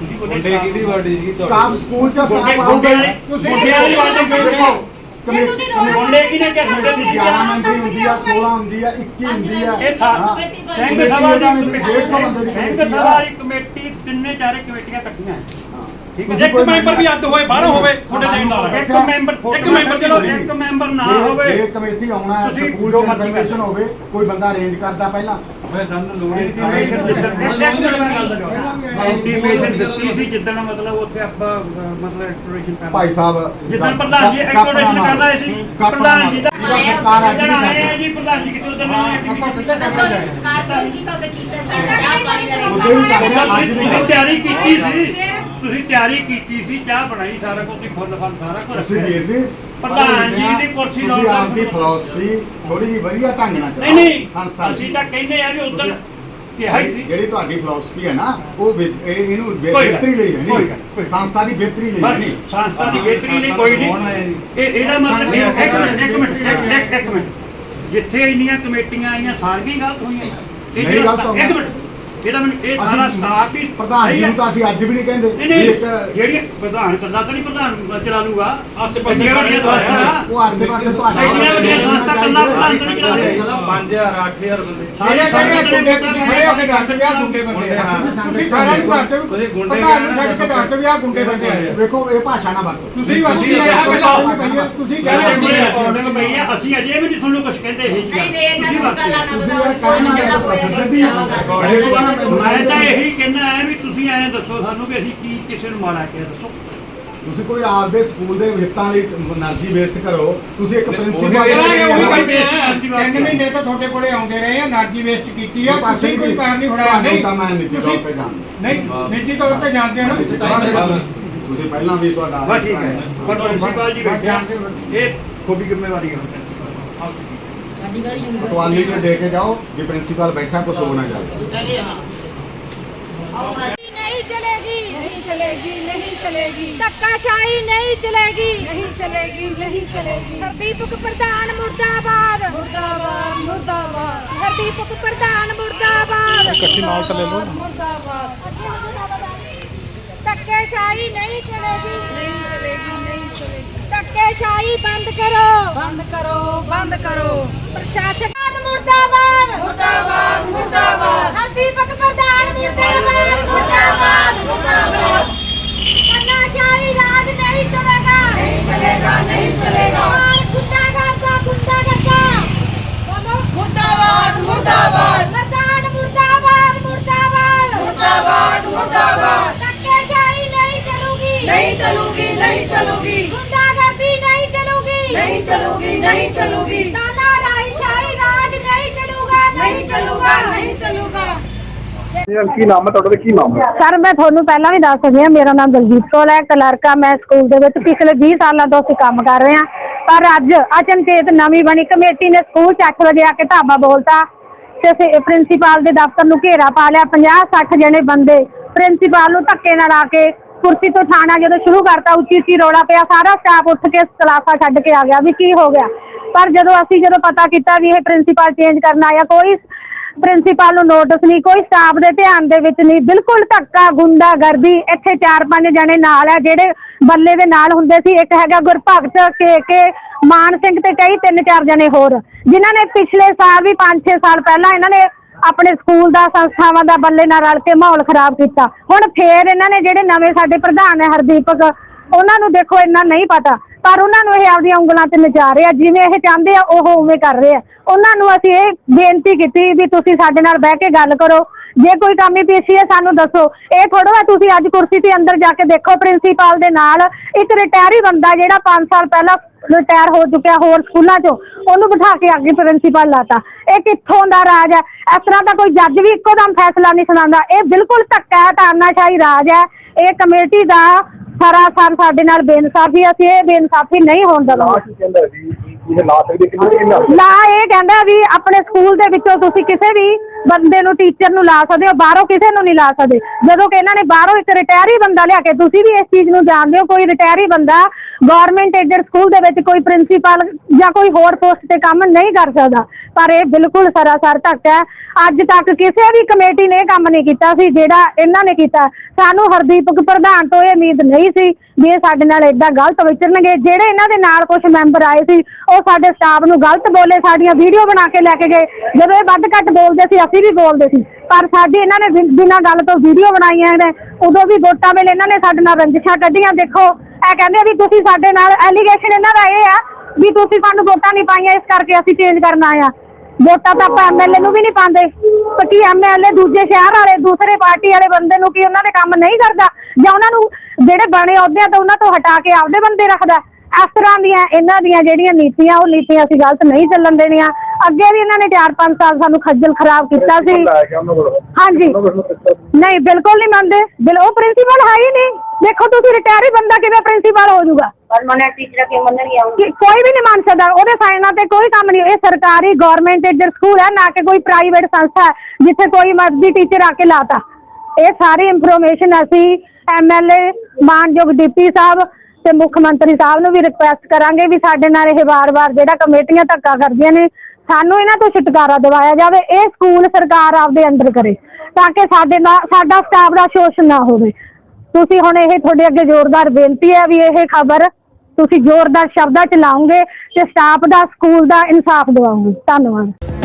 S5: ਤੁਸੀਂ
S6: ਮੁੰਡੇ
S5: ਬੋਲੇ
S6: ਕਿਹਦੀ ਵਾਰਡੀ ਜੀ
S3: ਸਟਾਫ ਸਕੂਲ ਚ
S5: ਗੁੰਡੇ
S3: ਸਟਾਫ
S5: ਗੁੰਡੇ
S3: ਆਉਂਦਾ
S5: ਵਾਲੀ
S2: ਤੁਸੀਂ
S5: ਗੁੰਡੇ ਵਾਲੀ ਬਾਤ ਦੇਖੋ
S2: ਜੇ ਤੁਸੀਂ ਰੋਣਾ
S5: ਮੁੰਡੇ ਕਿਹਨੇ ਕਿਹਾ ਤੁਹਾਡੇ ਤੁਸੀਂ
S3: ਗਿਆਰਾਂ ਮੰਤਰੀ ਹੁੰਦੀ ਆ, ਸੋਲਾਂ ਹੁੰਦੀ ਆ, ਇੱਕੀ ਹੁੰਦੀ ਆ।
S5: ਇਹ ਸਾ-
S3: ਹਾਂ।
S5: ਸਿੰਘ
S3: ਕਮੇਟੀ
S5: ਸਭਾ
S3: ਇਹਨਾਂ ਨੇ
S5: ਦੀ
S3: ਡੇਢ ਸੌ ਬੰਦੇ ਦੀ
S5: ਸਿੰਘ
S3: ਕਮੇਟੀ
S5: ਸਭਾ
S3: ਆ।
S5: ਦੀ ਕਮੇਟੀ ਤਿੰਨੇ ਚਾਰੇ ਕਮੇਟੀਆਂ ਇਕੱਠੀਆਂ ਹੈ ਠੀਕ ਹੈ
S3: ਤੁਸੀਂ
S5: ਇੱਕ
S3: ਕੋਈ
S5: ਮੈਂਬਰ ਵੀ ਅੱਡ ਹੋਏ ਬਾਹਰੋਂ ਹੋਵੇ ਤੁਹਾਡੇ ਦੇਣ ਨਾਲ ਇੱਕ
S3: ਅੱਛਾ।
S5: ਮੈਂਬਰ ਇੱਕ ਮੈਂਬਰ ਚਲੋ ਇੱਕ ਮੈਂਬਰ ਨਾ
S3: ਜੇ-
S5: ਹੋਵੇ
S3: ਜੇ ਕਮੇਟੀ ਆਉਣਾ ਹੈ
S5: ਤੁਸੀਂ
S3: ਸਕੂਲ
S5: ਜੋ
S3: ਚ
S5: ਮਰਜ਼ੀ
S3: ਇਨਫੋਰਮੇਸ਼ਨ
S5: ਕਰ
S3: ਹੋਵੇ ਕੋਈ ਬੰਦਾ ਅਰੇਂਜ ਕਰਦਾ ਪਹਿਲਾਂ
S6: ਮੈਂ ਸਾਨੂੰ ਲੋੜ ਹੀ
S5: ਇੱਕ ਮਿੰਟ ਮੈਂ ਗੱਲ ਦੱਸਦਾ ਇੰਟੀਮੇਸ਼ਨ ਦਿੱਤੀ ਸੀ ਜਿੱਦਣ ਮਤਲਬ ਉੱਥੇ ਆਪਾਂ ਅਹ, ਮਤਲਬ ਐਕਸਪਲੋਰੇਸ਼ਨ ਕਰਨਾ
S3: ਭਾਈ ਸਾਹਿਬ
S5: ਜਿੱਦਣ ਪ੍ਰਧਾਨ ਜੀ ਐਕਸਪਲੋਰੇਸ਼ਨ ਕਰਨਾ ਸੀ ਪ੍ਰਧਾਨ ਜੀ ਦਾ
S3: ਸਰਕਾਰ ਅੱਜ
S5: ਜਿੱਦਣ ਆਏ
S3: ਨਹੀਂ
S5: ਆ ਜੀ ਪ੍ਰਧਾਨ ਜੀ ਕਿਤੇ ਉਦੋਂ
S3: ਆਪਾਂ ਸਿੱਧਾ
S4: ਦੱਸੋ ਜੀ ਸਰਕਾਰ ਕਿਉਂ ਨਹੀਂ ਕੀਤਾ ਉਹਦੇ ਕੀਤਾ ਸੀ ਚਾਹ ਪਾਣੀ ਦਾ
S3: ਉਹਦੇ ਵੀ ਕਰਦੇ ਆ, ਅੱਜ ਨਹੀਂ
S5: ਤੁਸੀਂ ਤਿਆਰੀ ਕੀਤੀ ਸੀ ਤੁਸੀਂ ਤਿਆਰੀ ਕੀਤੀ ਸੀ ਚਾਹ ਬਣਾਈ ਸਾਰਾ ਕੁਝ ਤੁਸੀਂ ਫੁੱਲ ਫਲ ਸਾਰਾ ਕੁਝ
S3: ਤੁਸੀਂ ਵੀਰ ਜੀ
S5: ਪ੍ਰਧਾਨ ਜੀ ਦੀ ਕੁਰਸੀ
S3: ਤੁਸੀਂ
S5: ਲਾਉਣ
S3: ਆਪਦੀ ਫਿਲਾਸਫੀ ਥੋੜੀ ਜਿਹੀ ਵਧੀਆ ਢੰਗ ਨਾਲ
S5: ਨਹੀਂ ਨਹੀਂ
S3: ਸੰਸਥਾ ਦੀ।
S5: ਅਸੀਂ ਤਾਂ ਕਹਿੰਦੇ ਆ ਵੀ ਉਦੋਂ
S3: ਤੁਸੀਂ-
S5: ਕਿਹਾ ਹੀ ਸੀ
S3: ਜਿਹੜੀ ਤੁਹਾਡੀ ਫਿਲਾਸਫੀ ਹੈ ਨਾ ਉਹ ਬਿ- ਇਹ- ਇਹਨੂੰ ਬਿ-
S5: ਕੋਈ ਗੱਲ
S3: ਬਿਹਤਰੀ ਲਈ ਹੈ
S5: ਕੋਈ
S3: ਨਹੀਂ
S5: ਗੱਲ, ਕੋਈ ਗੱਲ।
S3: ਸੰਸਥਾ ਦੀ ਬਿਹਤਰੀ ਲਈ
S5: ਬਸ
S3: ਨਹੀਂ
S5: ਸੰਸਥਾ ਦੀ ਬਿਹਤਰੀ ਲਈ
S6: ਸੰਸਥਾ
S5: ਕੋਈ
S6: ਕੌਣ ਆਇਆ
S5: ਨਹੀਂ
S6: ਜੀ?
S5: ਇਹ ਇਹਦਾ ਮਤਲਬ ਇਹ- ਇੱਕ
S3: ਸੰਸਥਾ
S5: ਮਿੰਟ ਇੱਕ ਮਿੰਟ ਇੱਕ- ਇੱਕ- ਇੱਕ ਮਿੰਟ ਜਿੱਥੇ ਇੰਨੀਆਂ ਕਮੇਟੀਆਂ ਆਈਆਂ ਸਾਰੀਆਂ ਹੀ ਗਲਤ ਹੋਈਆਂ ਇਹ
S3: ਨਹੀਂ
S5: ਜਿਹੜਾ-
S3: ਗਲਤ ਹੋਈਆਂ।
S5: ਇੱਕ ਮਿੰਟ ਇਹਦਾ ਮੈਨੂੰ ਇਹ ਸਾਰਾ
S3: ਅਸੀਂ
S5: ਸਟਾਫ ਹੀ
S3: ਪ੍ਰਧਾਨ
S5: ਸਹੀ
S3: ਜੀ
S5: ਹੈ।
S3: ਨੂੰ ਤਾਂ ਅਸੀਂ ਅੱਜ ਵੀ ਨਹੀਂ ਕਹਿੰਦੇ
S5: ਨਹੀਂ
S3: ਵੀ
S5: ਨਹੀਂ
S3: ਇੱਕ
S5: ਜਿਹੜੀ ਪ੍ਰਧਾਨ ਕਰਦਾ ਤਾਂ ਨਹੀਂ ਪ੍ਰਧਾਨ ਚਲਾ ਲੂਗਾ
S7: ਆਸੇ ਪਾਸੇ
S5: ਵੱਡੀਆਂ ਵੱਡੀਆਂ ਸੰਸਥਾ
S3: ਉਹ ਆਸੇ ਪਾਸੇ ਤੁਹਾਡਾ
S5: ਇੰਨੀਆਂ ਵੱਡੀਆਂ ਸੰਸਥਾ ਕੱਲਾ ਪ੍ਰਧਾਨ ਤਾਂ ਨਹੀਂ ਚਲਾ ਸਕਦਾ
S6: ਪੰਜ ਹਜ਼ਾਰ ਅੱਠ ਹਜ਼ਾਰ ਬੰਦੇ
S5: ਸਾਰੇ
S8: ਜਿਹੜੇ ਗੁੰਡੇ ਤੁਸੀਂ ਖੜੇ ਹੋ ਕੇ ਦੱਸਦੇ ਵੀ ਆਹ ਗੁੰਡੇ ਬੰਦੇ
S6: ਗੁੰਡੇ,
S8: ਆ
S6: ਹਾਂ।
S8: ਤੁਸੀਂ ਸਾਰਿਆਂ ਨੂੰ ਦੱਸਦੇ ਹੋ
S6: ਤੁਸੀਂ ਗੁੰਡੇ
S8: ਪ੍ਰਧਾਨ ਨੂੰ
S6: ਕਹਿਣਾ
S8: ਛੱਡ ਕੇ ਦੱਸਦੇ ਵੀ ਆਹ ਗੁੰਡੇ ਬੰਦੇ ਆ
S3: ਵੇਖੋ ਇਹ ਭਾਸ਼ਾ ਨਾ ਵਰਤੋ
S8: ਤੁਸੀਂ
S6: ਤੁਸੀਂ
S8: ਤੁਸੀਂ
S6: ਇਹ
S8: ਤੁਸੀਂ
S5: ਜਿਹੜੇ
S8: ਕਹਿੰਦੇ
S5: ਅਸੀਂ ਰਿਕਾਰਡਿੰਗ ਪਈ ਆ ਅਸੀਂ ਅਜੇ ਵੀ ਨਹੀਂ ਤੁਹਾਨੂੰ ਕੁਝ ਕਹਿੰਦੇ ਇਹ ਜੀ
S4: ਨਹੀਂ ਨਹੀਂ ਇਹਨਾਂ ਨੂੰ ਗੱਲਾਂ ਨਾ
S3: ਤੁਸੀਂ
S4: ਬਤਾਓ
S3: ਯਾਰ
S4: ਕੋਈ
S3: ਕਹਿਣਾ
S4: ਨਹੀਂ
S3: ਹੈ
S4: ਕੋਈ
S3: ਸਿੱਧੀ
S5: ਮੈਂ ਤਾਂ ਇਹੀ ਕਹਿੰਦਾ ਹੈ ਵੀ ਤੁਸੀਂ ਐਂ ਦੱਸੋ ਸਾਨੂੰ ਵੀ ਅਸੀਂ ਕੀ ਕਿਸੇ ਨੂੰ ਮਾੜਾ ਕਿਹਾ ਦੱਸੋ
S3: ਤੁਸੀਂ ਕੋਈ ਆਪਦੇ ਸਕੂਲ ਦੇ ਹਿੱਤਾਂ ਲਈ એનર્ਜੀ ਵੇਸਟ ਕਰੋ ਤੁਸੀਂ ਇੱਕ ਪ੍ਰਿੰਸੀਪਲ
S8: ਉਹੀ
S5: ਕੋਈ
S8: ਕਹਿੰਦੇ ਆ।
S5: ਬੇਇੱਜ਼ਤੀ
S8: ਤਿੰਨ ਮਹੀਨੇ ਤੋਂ ਤੁਹਾਡੇ ਕੋਲੇ ਆਉਂਦੇ ਰਹੇ ਆ એનર્ਜੀ ਵੇਸਟ ਕੀਤੀ ਆ ਤੁਸੀਂ ਕੋਈ ਪੈਰ ਨਹੀਂ ਫੜਾਇਆ
S3: ਤੁਹਾਨੂੰ
S8: ਨਹੀਂ
S3: ਤਾਂ ਮੈਂ ਨਿੱਜੀ ਤੌਰ ਤੇ ਜਾਣਦਾ
S8: ਨਹੀਂ ਨਿੱਜੀ ਤੌਰ ਤੇ ਜਾਣਦੇ ਹੋ ਨਾ
S3: ਤੁਸੀਂ ਪਹਿਲਾਂ ਵੀ ਤੁਹਾਡਾ
S5: ਬਸ ਠੀਕ ਹੈ ਪਰ ਪ੍ਰਿੰਸੀਪਲ ਜੀ ਬੈਠੇ ਆ, ਇਹ ਤੁਹਾਡੀ ਜ਼ਿੰਮੇਵਾਰੀ ਹੈ
S4: ਸਾਡੀ ਗੱਲ ਹੀ
S3: ਪਟਵਾਲੀ ਨੂੰ ਦੇ ਕੇ ਜਾਓ ਜੇ ਪ੍ਰਿੰਸੀਪਲ ਬੈਠਾ ਕੁਝ ਹੋ ਨਾ ਜਾਏ
S2: नहीं चलेगी
S9: नहीं चलेगी नहीं चलेगी
S2: धक्काशाही नहीं चलेगी
S9: नहीं चलेगी नहीं चलेगी
S2: हरदीपक प्रधान मुर्दाबाद
S9: मुर्दाबाद मुर्दाबाद
S2: हरदीपक प्रधान मुर्दाबाद
S9: मुर्दाबाद मुर्दाबाद
S2: धक्केशाही नहीं चलेगी
S9: नहीं चलेगी नहीं चलेगी
S2: धक्केशाही बंद करो
S9: बंद करो बंद करो
S2: प्रशासन मुर्दाबाद
S9: मुर्दाबाद मुर्दाबाद
S2: हरदीपक प्रधान मुर्दाबाद मुर्दाबाद मुर्दाबाद तानाशाही राज नहीं चलेगा
S9: नहीं चलेगा नहीं चलेगा
S2: और गुंडागर्दा गुंडागर्दा बोलो
S9: मुर्दाबाद मुर्दाबाद
S2: प्रधान मुर्दाबाद मुर्दाबाद
S9: मुर्दाबाद मुर्दाबाद
S2: धक्केशाही नहीं चलूगी
S9: नहीं चलूगी नहीं चलूगी
S2: गुंडागर्दी नहीं चलूगी
S9: नहीं चलूगी नहीं चलूगी
S2: तानाशाही राज नहीं चलूगा
S9: नहीं चलूगा नहीं चलूगा
S10: ਕੀ ਨਾਮ ਹੈ ਤੁਹਾਡਾ ਤੇ ਕੀ ਨਾਮ ਹੈ?
S11: ਸਰ ਮੈਂ ਤੁਹਾਨੂੰ ਪਹਿਲਾਂ ਵੀ ਦੱਸ ਸਕਦੀ ਹਾਂ ਮੇਰਾ ਨਾਮ ਦਲਜੀਤ ਕੌਰ ਹੈ ਕਲਰਕ ਆ ਮੈਂ ਸਕੂਲ ਦੇ ਵਿੱਚ ਪਿਛਲੇ ਵੀਹ ਸਾਲਾਂ ਤੋਂ ਅਸੀਂ ਕੰਮ ਕਰ ਰਹੇ ਹਾਂ ਪਰ ਅੱਜ ਅਚਨਚੇਤ ਨਵੀਂ ਬਣੀ ਕਮੇਟੀ ਨੇ ਸਕੂਲ 'ਚ ਅੱਠ ਵਜੇ ਆ ਕੇ ਢਾਬਾ ਬੋਲਤਾ ਤੇ ਅਸੀਂ ਪ੍ਰਿੰਸੀਪਲ ਦੇ ਦਫ਼ਤਰ ਨੂੰ ਘੇਰਾ ਪਾ ਲਿਆ ਪੰਜਾਹ ਸੱਠ ਜਣੇ ਬੰਦੇ ਪ੍ਰਿੰਸੀਪਲ ਨੂੰ ਧੱਕੇ ਨਾਲ ਆ ਕੇ ਕੁਰਸੀ ਤੋਂ ਠਾਣਾ ਜਦੋਂ ਸ਼ੁਰੂ ਕਰਤਾ ਉੱਚੀ ਉੱਚੀ ਰੌਲਾ ਪਿਆ ਸਾਰਾ ਸਟਾਫ ਉੱਠ ਕੇ ਕਲਾਸਾਂ ਛੱਡ ਕੇ ਆ ਗਿਆ ਵੀ ਕੀ ਹੋ ਗਿਆ ਪਰ ਜਦੋਂ ਅਸੀਂ ਜਦੋਂ ਪਤਾ ਕੀਤਾ ਵੀ ਇਹ ਪ੍ਰਿੰਸੀਪਲ ਚੇਂਜ ਕਰਨ ਆਇਆ ਕੋਈ ਪ੍ਰਿੰਸੀਪਲ ਨੂੰ ਨੋਟਿਸ ਨਹੀਂ ਕੋਈ ਸਟਾਫ ਦੇ ਧਿਆਨ ਦੇ ਵਿੱਚ ਨਹੀਂ ਬਿਲਕੁਲ ਧੱਕਾ ਗੁੰਡਾਗਰਦੀ ਇੱਥੇ ਚਾਰ ਪੰਜ ਜਣੇ ਨਾਲ ਆ ਜਿਹੜੇ ਬੱਲੇ ਦੇ ਨਾਲ ਹੁੰਦੇ ਸੀ ਇੱਕ ਹੈਗਾ ਗੁਰਭਗਤ ਕੇ ਕੇ ਮਾਨ ਸਿੰਘ ਤੇ ਕਈ ਤਿੰਨ ਚਾਰ ਜਣੇ ਹੋਰ ਜਿਨ੍ਹਾਂ ਨੇ ਪਿਛਲੇ ਸਾਲ ਵੀ ਪੰਜ ਛੇ ਸਾਲ ਪਹਿਲਾਂ ਇਹਨਾਂ ਨੇ ਆਪਣੇ ਸਕੂਲ ਦਾ ਸੰਸਥਾਵਾਂ ਦਾ ਬੱਲੇ ਨਾਲ ਰਲ ਕੇ ਮਾਹੌਲ ਖਰਾਬ ਕੀਤਾ ਹੁਣ ਫੇਰ ਇਹਨਾਂ ਨੇ ਜਿਹੜੇ ਨਵੇਂ ਸਾਡੇ ਪ੍ਰਧਾਨ ਹੈ ਹਰਦੀਪਕ ਉਹਨਾਂ ਨੂੰ ਦੇਖੋ ਇੰਨਾ ਨਹੀਂ ਪਤਾ ਪਰ ਉਹਨਾਂ ਨੂੰ ਇਹ ਆਪਦੀਆਂ ਉਂਗਲਾਂ ਤੇ ਨਚਾ ਰਹੇ ਆ ਜਿਵੇਂ ਇਹ ਚਾਹੁੰਦੇ ਆ ਉਹ ਉਵੇਂ ਕਰ ਰਹੇ ਆ ਉਹਨਾਂ ਨੂੰ ਅਸੀਂ ਇਹ ਬੇਨਤੀ ਕੀਤੀ ਵੀ ਤੁਸੀਂ ਸਾਡੇ ਨਾਲ ਬਹਿ ਕੇ ਗੱਲ ਕਰੋ ਜੇ ਕੋਈ ਕਮੀ ਪੇਸ਼ੀ ਹੈ ਸਾਨੂੰ ਦੱਸੋ ਇਹ ਥੋੜ੍ਹਾ ਹੈ ਤੁਸੀਂ ਅੱਜ ਕੁਰਸੀ ਤੇ ਅੰਦਰ ਜਾ ਕੇ ਦੇਖੋ ਪ੍ਰਿੰਸੀਪਲ ਦੇ ਨਾਲ ਇੱਕ ਰਿਟਾਇਰੀ ਬੰਦਾ ਜਿਹੜਾ ਪੰਜ ਸਾਲ ਪਹਿਲਾਂ ਰਿਟਾਇਰ ਹੋ ਚੁੱਕਿਆ ਹੋਰ ਸਕੂਲਾਂ 'ਚੋਂ ਉਹਨੂੰ ਬਿਠਾ ਕੇ ਅੱਗੇ ਪ੍ਰਿੰਸੀਪਲ ਲਾਤਾ ਇਹ ਕਿੱਥੋਂ ਦਾ ਰਾਜ ਹੈ ਇਸ ਤਰ੍ਹਾਂ ਦਾ ਕੋਈ ਜੱਜ ਵੀ ਇੱਕੋ ਦਮ ਫੈਸਲਾ ਨਹੀਂ ਸੁਣਾਉਂਦਾ ਇਹ ਬਿਲਕੁਲ ਧੱਕਾ ਹੈ ਤਾਨਾਸ਼ਾਹੀ ਰਾਜ ਹੈ ਇਹ ਕਮੇਟੀ ਦਾ ਸਰਾਸਰ ਸਾਡੇ ਨਾਲ ਬੇਇਨਸਾਫੀ ਅਸੀਂ ਇਹ ਬੇਇਨਸਾਫੀ ਨਹੀਂ ਹੋਣ ਦੇਵਾਂਗੇ
S10: ਕਹਿੰਦਾ ਜੀ ਇਹ ਲਾ ਸਕਦੇ ਕਿ ਨਹੀਂ ਲਾ
S11: ਲਾ ਇਹ ਕਹਿੰਦਾ ਵੀ ਆਪਣੇ ਸਕੂਲ ਦੇ ਵਿੱਚੋਂ ਤੁਸੀਂ ਕਿਸੇ ਵੀ ਬੰਦੇ ਨੂੰ ਟੀਚਰ ਨੂੰ ਲਾ ਸਕਦੇ ਹੋ ਬਾਹਰੋਂ ਕਿਸੇ ਨੂੰ ਨਹੀਂ ਲਾ ਸਕਦੇ ਜਦੋਂ ਕਿ ਇਹਨਾਂ ਨੇ ਬਾਹਰੋਂ ਇੱਕ ਰਿਟਾਇਰੀ ਬੰਦਾ ਲਿਆ ਕੇ ਤੁਸੀਂ ਵੀ ਇਸ ਚੀਜ਼ ਨੂੰ ਜਾਣਦੇ ਹੋ ਕੋਈ ਰਿਟਾਇਰੀ ਬੰਦਾ ਗਵਰਨਮੈਂਟ ਏਡਡ ਸਕੂਲ ਦੇ ਵਿੱਚ ਕੋਈ ਪ੍ਰਿੰਸੀਪਲ ਜਾਂ ਕੋਈ ਹੋਰ ਪੋਸਟ ਤੇ ਕੰਮ ਨਹੀਂ ਕਰ ਸਕਦਾ, ਪਰ ਇਹ ਬਿਲਕੁਲ ਸਰਾਸਰ ਧੱਕ ਹੈ। ਅੱਜ ਤੱਕ ਕਿਸੇ ਵੀ ਕਮੇਟੀ ਨੇ ਇਹ ਕੰਮ ਨਹੀਂ ਕੀਤਾ ਸੀ ਜਿਹੜਾ ਇਹਨਾਂ ਨੇ ਕੀਤਾ। ਸਾਨੂੰ ਹਰਦੀਪਕ ਪ੍ਰਧਾਨ ਤੋਂ ਇਹ ਉਮੀਦ ਨਹੀਂ ਸੀ ਵੀ ਇਹ ਸਾਡੇ ਨਾਲ ਏਦਾਂ ਗਲਤ ਵਿਚਰਨਗੇ। ਜਿਹੜੇ ਇਹਨਾਂ ਦੇ ਨਾਲ ਕੁਝ ਮੈਂਬਰ ਆਏ ਸੀ ਉਹ ਸਾਡੇ ਸਟਾਫ ਨੂੰ ਗਲਤ ਬੋਲੇ, ਸਾਡੀਆਂ ਵੀਡੀਓ ਬਣਾ ਕੇ ਲੈ ਕੇ ਗਏ। ਜਦੋਂ ਇਹ ਵੱਧ ਘੱਟ ਬੋਲਦੇ ਸੀ ਅਸੀਂ ਵੀ ਬੋਲਦੇ ਸੀ, ਪਰ ਸਾਡੀ ਇਹਨਾਂ ਨੇ ਬਿਨਾਂ ਗੱਲ ਤੋਂ ਵੀਡੀਓ ਬਣਾਈਆਂ ਨੇ। ਉਦੋਂ ਵੀ ਵੋਟਾਂ ਵੇਲੇ ਇਹਨਾਂ ਨੇ ਸਾਡੇ ਨਾਲ ਰੰਜਿਸ਼ਾਂ ਕੱਢੀਆਂ। ਦੇਖੋ ਇਹ ਕਹਿੰਦੇ ਵੀ ਤੁਸੀਂ ਸਾਡੇ ਨਾਲ, ਐਲੀਗੇਸ਼ਨ ਇਹਨਾਂ ਦਾ ਇਹ ਆ ਵੀ ਤੁਸੀਂ ਸਾਨੂੰ ਵੋਟਾਂ ਨਹੀਂ ਪਾਈਆਂ ਇਸ ਕਰਕੇ ਅਸੀਂ ਚੇਂਜ ਕਰਨ ਆਏ ਆ। ਵੋਟਾਂ ਤਾਂ ਆਪਾਂ ਐਮਐਲਏ ਨੂੰ ਵੀ ਨਹੀਂ ਪਾਉਂਦੇ, ਤਾਂ ਕੀ ਐਮਐਲਏ ਦੂਜੇ ਸ਼ਹਿਰ ਵਾਲੇ ਦੂਸਰੇ ਪਾਰਟੀ ਵਾਲੇ ਬੰਦੇ ਨੂੰ ਕੀ ਉਹਨਾਂ ਦੇ ਕੰਮ ਨਹੀਂ ਕਰਦਾ, ਜਾਂ ਉਹਨਾਂ ਨੂੰ ਜਿਹੜੇ ਬਣੇ ਅਹੁਦਿਆਂ ਤੋਂ ਉਹਨਾਂ ਤੋਂ ਹਟਾ ਕੇ ਆਪਦੇ ਬੰਦੇ ਰੱਖਦਾ? ਇਸ ਤਰ੍ਹਾਂ ਦੀਆਂ ਇਹਨਾਂ ਦੀਆਂ ਜਿਹੜੀਆਂ ਨੀਤੀਆਂ ਉਹ ਨੀਤੀਆਂ ਅਸੀਂ ਗਲਤ ਨਹੀਂ ਚੱਲਣ ਦੇਣੀਆਂ। ਅੱਗੇ ਵੀ ਇਹਨਾਂ ਨੇ ਚਾਰ ਪੰਜ ਸਾਲ ਸਾਨੂੰ ਖੱਜਲ ਖਰਾਬ ਕੀਤਾ ਸੀ। ਹਾਂਜੀ ਨਹੀਂ ਬਿਲਕੁਲ ਨਹੀਂ ਮੰਨਦੇ, ਬਿਲ ਉਹ ਪ੍ਰਿੰਸੀਪਲ ਹੈ ਹੀ ਨਹੀਂ। ਦੇਖੋ ਤੁਸੀਂ ਰਿਟਾਇਰ ਹੀ ਬੰਦਾ ਕਿਵੇਂ ਪ੍ਰਿੰਸੀਪਲ ਹੋ ਜਾਊਗਾ?
S4: ਪਰਮਾਨੈਂਟ ਟੀਚਰ ਕਿਉਂ ਮੰਨਣਗੇ?
S11: ਕੋਈ ਵੀ ਨਹੀਂ ਮੰਨ ਸਕਦਾ, ਉਹਦੇ ਸਾਈਨਾਂ ਤੇ ਕੋਈ ਕੰਮ ਨਹੀਂ। ਇਹ ਸਰਕਾਰੀ ਗਵਰਨਮੈਂਟ ਏਡਡ ਸਕੂਲ ਹੈ, ਨਾ ਕਿ ਕੋਈ ਪ੍ਰਾਈਵੇਟ ਸੰਸਥਾ ਹੈ ਜਿੱਥੇ ਕੋਈ ਮਰਜ਼ੀ ਟੀਚਰ ਆ ਕੇ ਲਾਤਾ। ਇਹ ਸਾਰੀ ਇਨਫੋਰਮੇਸ਼ਨ ਅਸੀਂ ਐਮਐਲਏ ਮਾਨਯੋਗ ਡੀਪੀ ਸਾਹਿਬ ਤੇ ਮੁੱਖ ਮੰਤਰੀ ਸਾਹਿਬ ਨੂੰ ਵੀ ਰਿਕੁਐਸਟ ਕਰਾਂਗੇ ਵੀ ਸਾਡੇ ਨਾਲ ਇਹ ਵਾਰ-ਵਾਰ ਜਿਹੜਾ ਕਮੇਟੀਆਂ ਧੱਕਾ ਕਰਦੀਆਂ ਨੇ ਸਾਨੂੰ ਇਹਨਾਂ ਤੋਂ ਛੁਟਕਾਰਾ ਦਿਵਾਇਆ ਜਾਵੇ। ਇਹ ਸਕੂਲ ਸਰਕਾਰ ਆਪਦੇ ਅੰਦਰ ਕਰੇ ਤਾਂ ਕਿ ਸਾਡੇ ਨਾਲ ਸਾਡਾ ਸਟਾਫ ਦਾ ਸ਼ੋਸ਼ਣ ਨਾ ਹੋਵੇ। ਤੁਸੀਂ ਹੁਣ ਇਹ ਤੁਹਾਡੇ ਅੱਗੇ ਜ਼ੋਰਦਾਰ ਬੇਨਤੀ ਹੈ ਵੀ ਇਹ ਖਬਰ ਤੁਸੀਂ ਜ਼ੋਰਦਾਰ ਸ਼ਬਦਾਂ ਚ ਲਾਓਗੇ ਤੇ ਸਟਾਫ ਦਾ ਸਕੂਲ ਦਾ ਇਨਸਾਫ ਦਿਵਾਓਗੇ। ਧੰਨਵਾਦ।